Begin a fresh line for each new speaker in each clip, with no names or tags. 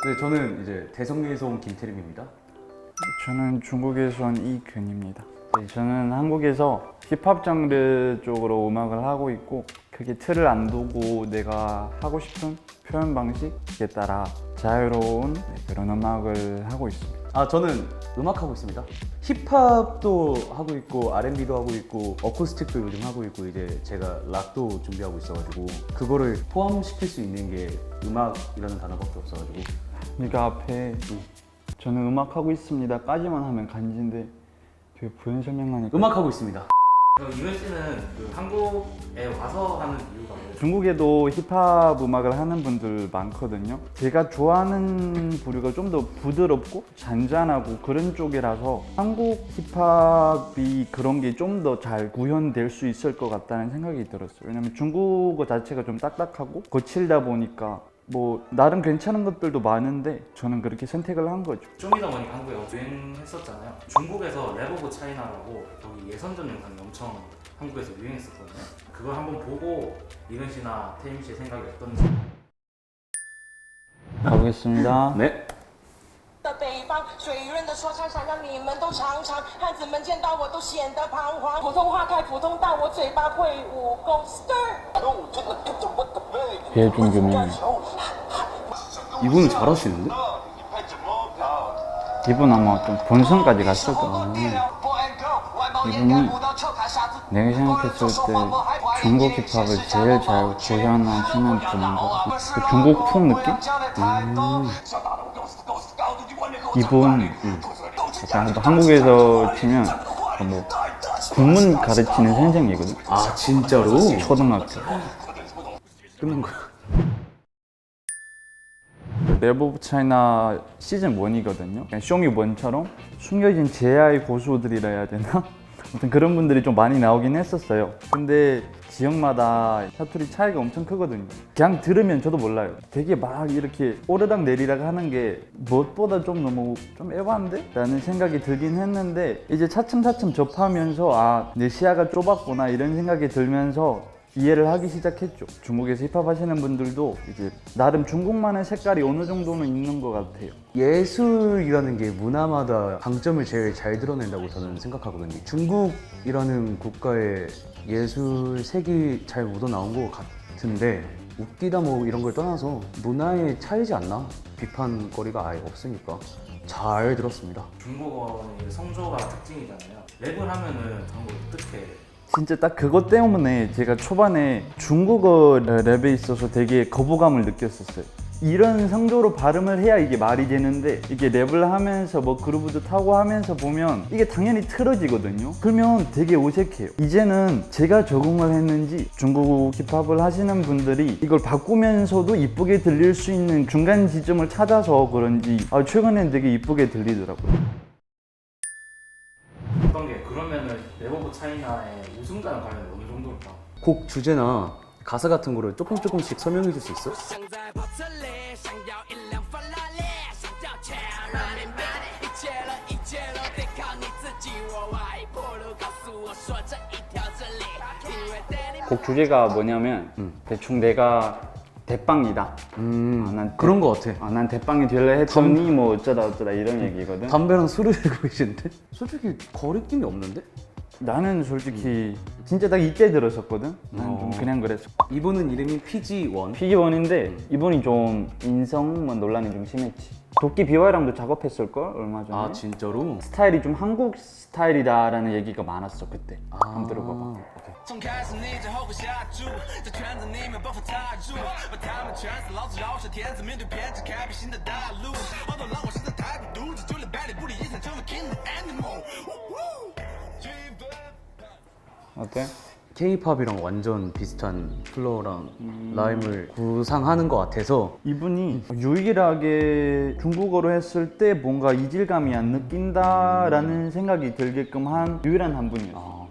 네, 저는 이제 대성리에서 온 김태림입니다.
저는 중국에서 온 이근입니다. 네, 저는 한국에서 힙합 장르 쪽으로 음악을 하고 있고 크게 틀을 안 두고 내가 하고 싶은 표현 방식에 따라 자유로운 그런 음악을 하고 있습니다.
저는 음악하고 있습니다. 힙합도 하고 있고 R&B도 하고 있고 어쿠스틱도 요즘 하고 있고 이제 제가 락도 준비하고 있어가지고 그거를 포함시킬 수 있는 게 음악이라는 단어밖에 없어가지고.
네가 앞에 저는 음악하고 있습니다 까지만 하면 간지인데 되게 부연 설명하니까
음악하고 있습니다.
그럼 이근 씨는 그 한국에 와서 하는 이유가 뭐예요?
중국에도 힙합 음악을 하는 분들 많거든요. 제가 좋아하는 부류가 좀 더 부드럽고 잔잔하고 그런 쪽이라서 한국 힙합이 그런 게 좀 더 잘 구현될 수 있을 것 같다는 생각이 들었어요. 왜냐면 중국어 자체가 좀 딱딱하고 거칠다 보니까 뭐 나름 괜찮은 것들도 많은데 저는 그렇게 선택을 한 거죠.
쇼미더머니 한국에 유행했었잖아요. 중국에서 랩 오브 차이나라고 거기 예선전 영상이 엄청 한국에서 유행했었거든요. 그걸 한번 보고 이근 씨나 태임 씨의 생각이 어떤지.
가보겠습니다.
네.
的北方，水润的说唱想让你们都尝尝，汉子们见到我都显得彷徨。普通话太普通，但我嘴巴会武功。
배준규님
이분은 잘하시는데?
이분 아마 좀 본선까지 갔을 거예요. 이분이 내가 생각했을 때 중국 힙합을 제일 잘 구현하시는 분인 것 같아요. 그 중국풍 느낌? 이분 약간 한국에서 치면 뭐 국문 가르치는 선생이거든.
진짜로?
초등학교.
끝난 거야.
랩 오브 차이나 시즌 1이거든요. 쇼미 1처럼 숨겨진 제아의 고수들이라 해야 되나? 아무튼 그런 분들이 좀 많이 나오긴 했었어요. 근데 지역마다 사투리 차이가 엄청 크거든요. 그냥 들으면 저도 몰라요. 되게 막 이렇게 오르락 내리락 하는 게 무엇보다 좀 너무 좀 에반데? 라는 생각이 들긴 했는데 이제 차츰차츰 접하면서 내 시야가 좁았구나 이런 생각이 들면서 이해를 하기 시작했죠. 중국에서 힙합 하시는 분들도 이제 나름 중국만의 색깔이 어느 정도는 있는 것 같아요.
예술이라는 게 문화마다 강점을 제일 잘 드러낸다고 저는 생각하거든요. 중국이라는 국가의 예술색이 잘 묻어나온 것 같은데 웃기다 뭐 이런 걸 떠나서 문화의 차이지 않나? 비판거리가 아예 없으니까 잘 들었습니다.
중국어는 성조가 특징이잖아요. 랩을 하면은 한국 어떻게
진짜 딱 그것 때문에 제가 초반에 중국어 랩에 있어서 되게 거부감을 느꼈었어요. 이런 성조로 발음을 해야 이게 말이 되는데 이게 랩을 하면서 뭐 그루브도 타고 하면서 보면 이게 당연히 틀어지거든요. 그러면 되게 어색해요. 이제는 제가 적응을 했는지 중국 힙합을 하시는 분들이 이걸 바꾸면서도 이쁘게 들릴 수 있는 중간 지점을 찾아서 그런지 최근엔 되게 이쁘게 들리더라고요.
어떤 게 그러면은 랩 오브 차이나의 우승자랑 관련이 어느 정도일까?
곡 주제나 가사 같은 거를 조금씩 설명해 줄 수 있어?
想在跑车里，想要一辆法拉利，想要钱，Running Man，一切都得靠你自己。我挖一坡路，告诉我说这一条真理，因为对你。
곡 주제가 뭐냐면 대충 내가 대빵이다. 난
그런 거 같아.
난 대빵이 될래 했더니 뭐 어쩌다 이런 얘기거든.
담배랑 술을 들고 계시는데? 솔직히 거리낌이 없는데?
나는 솔직히 진짜 딱 이때 들었었거든. 난 좀 그냥 그랬어.
이분은 이름이 PG1.
피기원인데 이분이 좀 인성 논란이 좀 심했지. 도끼 BY랑도 작업했을 걸 얼마 전에.
진짜로?
스타일이 좀 한국 스타일이다라는 얘기가 많았어 그때. 한번 들어봐봐.
从开始你就后悔下注，在圈子里没办法踏入，把他们全死，老子饶舌天子，面对偏执开辟新的大陆。好多让我现在太孤独，这就连百里不离一场成为 king of animal。
어때?
K-팝이랑 완전 비슷한 플로어랑 라임을 구상하는 것 같아서
이분이 유일하게 중국어로 했을 때 뭔가 이질감이 안 느낀다라는 생각이 들게끔 한 유일한 한 분이었어.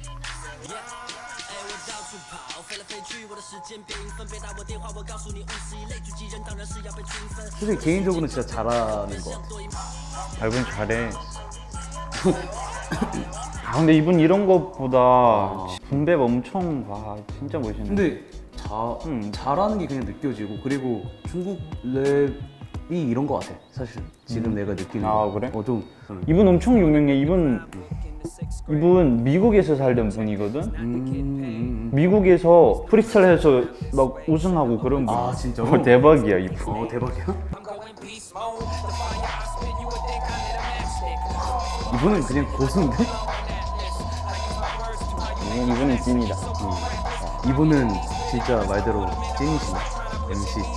솔직히 개인적으로는 진짜 잘하는 것 같아.
이분 잘해. 근데 이분 이런 것보다 분배 엄청 진짜 멋있네.
근데 잘하는 게 그냥 느껴지고 그리고 중국 이런 거 같아. 사실 지금 내가 느끼는
아,
거.
그래?
좀
이분 엄청 유명해. 이분 미국에서 살던 분이거든. 미국에서 프리스타일 해서 막 우승하고 그런 분.
아, 진짜로?
대박이야 이분.
대박이야.
going beast mode. The fire I spit, you would think I lit a matchstick.
이분은 그냥 고수인데?
이분은 찐이다.
이분은 진짜 말대로 찐이시네. MC 찐.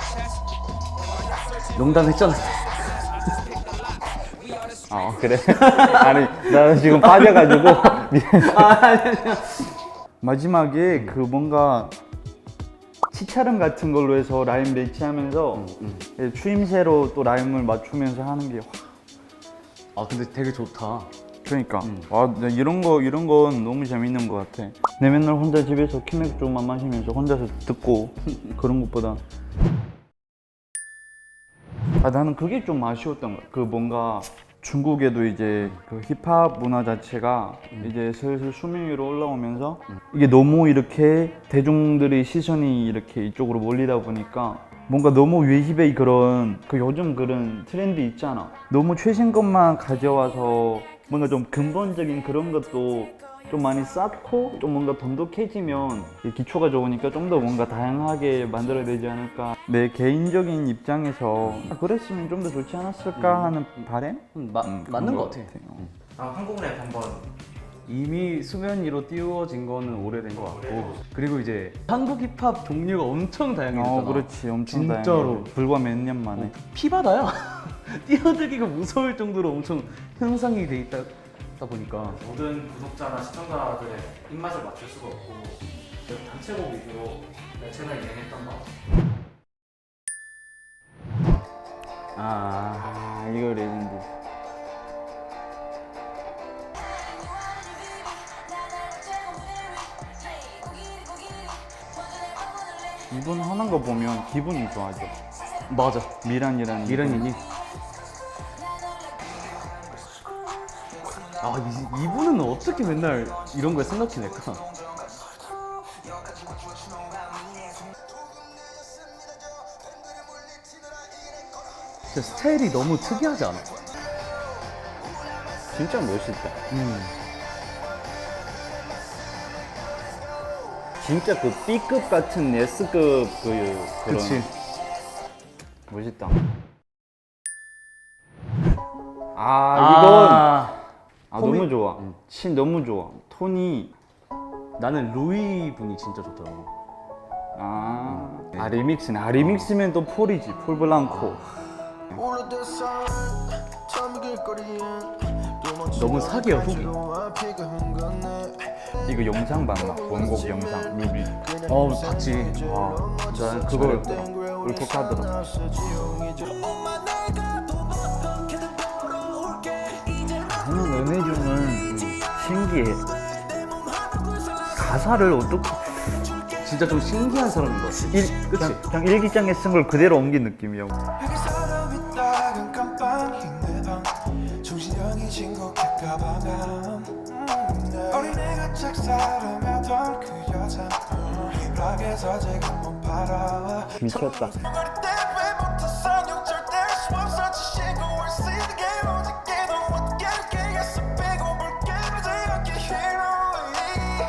농담했잖아.
그래? 아니 나는 지금 빠져가지고 마지막에 그 뭔가 치차름 같은 걸로 해서 라임 매치하면서 추임새로 또 라임을 맞추면서 하는 게
근데 되게 좋다.
그러니까 와 나 이런 건 너무 재밌는 것 같아. 내 맨날 혼자 집에서 키맥주만 마시면서 혼자서 듣고 그런 것보다 나는 그게 좀 아쉬웠던 거야. 그 뭔가 중국에도 이제 그 힙합 문화 자체가 이제 슬슬 수면 위로 올라오면서 이게 너무 이렇게 대중들의 시선이 이렇게 이쪽으로 몰리다 보니까 뭔가 너무 외힙의 그런 그 요즘 그런 트렌드 있잖아. 너무 최신 것만 가져와서 뭔가 좀 근본적인 그런 것도 좀 많이 쌓고 좀 뭔가 돈독해지면 이 기초가 좋으니까 좀 더 뭔가 다양하게 만들어야 되지 않을까. 내 개인적인 입장에서 그랬으면 좀 더 좋지 않았을까 하는 바람?
맞는
그런
것 같아.
다음 한국 랩 한번.
이미 수면 위로 띄워진 거는 오래된 것 같고, 그리고 이제 한국 힙합 종류가 엄청 다양해졌잖아.
그렇지. 엄청
진짜로.
다양해. 불과 몇 년 만에.
피바다야. 뛰어들기가 무서울 정도로 엄청 형상이 돼 있다 보니까.
모든 구독자나 시청자들의 입맛을 맞출 수가 없고 단체곡 위주로 내 채널 진행했던 거.
이거 레전드. 이분 하는 거 보면 기분이 좋아져.
맞아.
미란이라는
미란이니. 이분은 어떻게 맨날 이런 걸 생각해낼까? 진짜 스타일이 너무 특이하지 않아?
진짜 멋있다. 진짜 그 B급 같은 S급 그런
그치.
멋있다. 이건 너무 좋아. 신 너무 좋아. 톤이
나는 루이 분이 진짜 좋더라고.
리믹스네. 리믹스면 또 폴이지. 폴 블랑코.
너무 사기야, 후기.
이거 영상 봤나? 원곡 영상 뮤비.
봤지. 난 그걸
울컥하더라. 나는 은혜중은 신기해. 가사를 어떻게
진짜 좀 신기한 사람인 것 같아. 그치?
그냥 일기장에 쓴 걸 그대로 옮긴 느낌이야.
여기 사람이 따근 깜빡인 내방 정신력이 진곡할까 봐면 어린애가 짝사랑하던 그 여자 힙락에서 지금 못 바라와
미쳤다.
머리 때문에 못한 욕절 뗄수 없어 지시고 올 수 있는 게 오직게도 어떻게 이렇게 해서 빼고 볼게 무지하게 히로이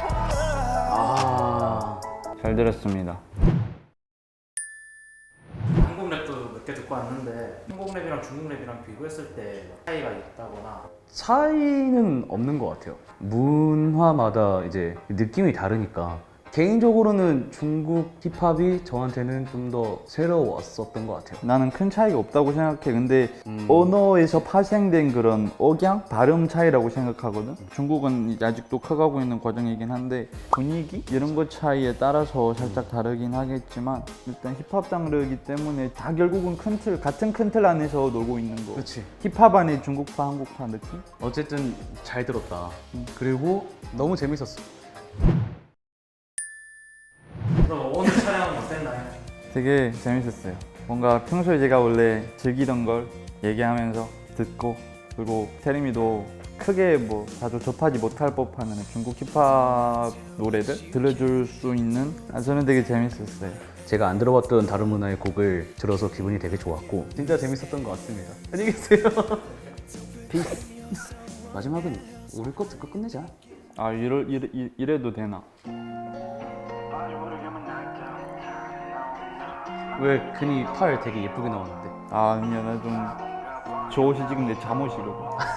잘 들었습니다.
한국 랩도 몇 개 듣고 왔는데 한국 랩이랑 중국 랩이랑 비교했을 때 차이가 있다거나.
차이는 없는 것 같아요. 문화마다 이제 느낌이 다르니까. 개인적으로는 중국 힙합이 저한테는 좀 더 새로웠었던 것 같아요.
나는 큰 차이가 없다고 생각해. 근데 언어에서 파생된 그런 억양, 발음 차이라고 생각하거든. 중국은 이제 아직도 커가고 있는 과정이긴 한데 분위기 이런 것 차이에 따라서 살짝 다르긴 하겠지만 일단 힙합 장르이기 때문에 다 결국은 큰 틀, 같은 큰 틀 안에서 놀고 있는 거.
그렇지.
힙합 안에 중국파, 한국파 느낌?
어쨌든 잘 들었다. 그리고 너무 재밌었어.
그럼 오늘 촬영 어땠나요?
되게 재밌었어요. 뭔가 평소에 제가 원래 즐기던 걸 얘기하면서 듣고, 그리고 태림이도 크게 뭐 자주 접하지 못할 법한 중국 힙합 노래들 들려줄 수 있는 저는 되게 재밌었어요.
제가 안 들어봤던 다른 문화의 곡을 들어서 기분이 되게 좋았고 진짜 재밌었던 것 같습니다. 안녕히 계세요. 피스. 마지막은 우리 거 듣고 끝내자.
아 이래도 되나?
왜 괜히 팔 되게 예쁘게 나오는데?
아 아니야 나좀 저 옷이 지금 내 잠옷이거든.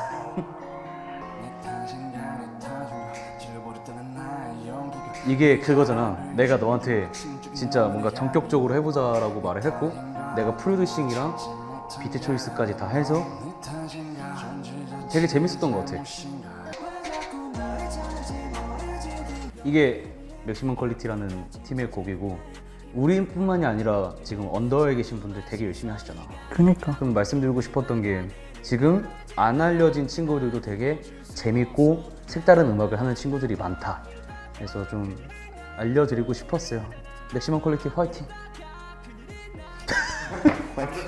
이게 그거잖아. 내가 너한테 진짜 뭔가 전격적으로 해보자라고 말을 했고 내가 프로듀싱이랑 비트 초이스까지 다 해서 되게 재밌었던 것 같아. 이게 맥시멈 퀄리티라는 팀의 곡이고 우리뿐만이 아니라 지금 언더에 계신 분들 되게 열심히 하시잖아.
그니까.
그럼 말씀드리고 싶었던 게 지금 안 알려진 친구들도 되게 재밌고 색다른 음악을 하는 친구들이 많다. 그래서 좀 알려드리고 싶었어요. 맥시멈 퀄리티 화이팅!
화이팅!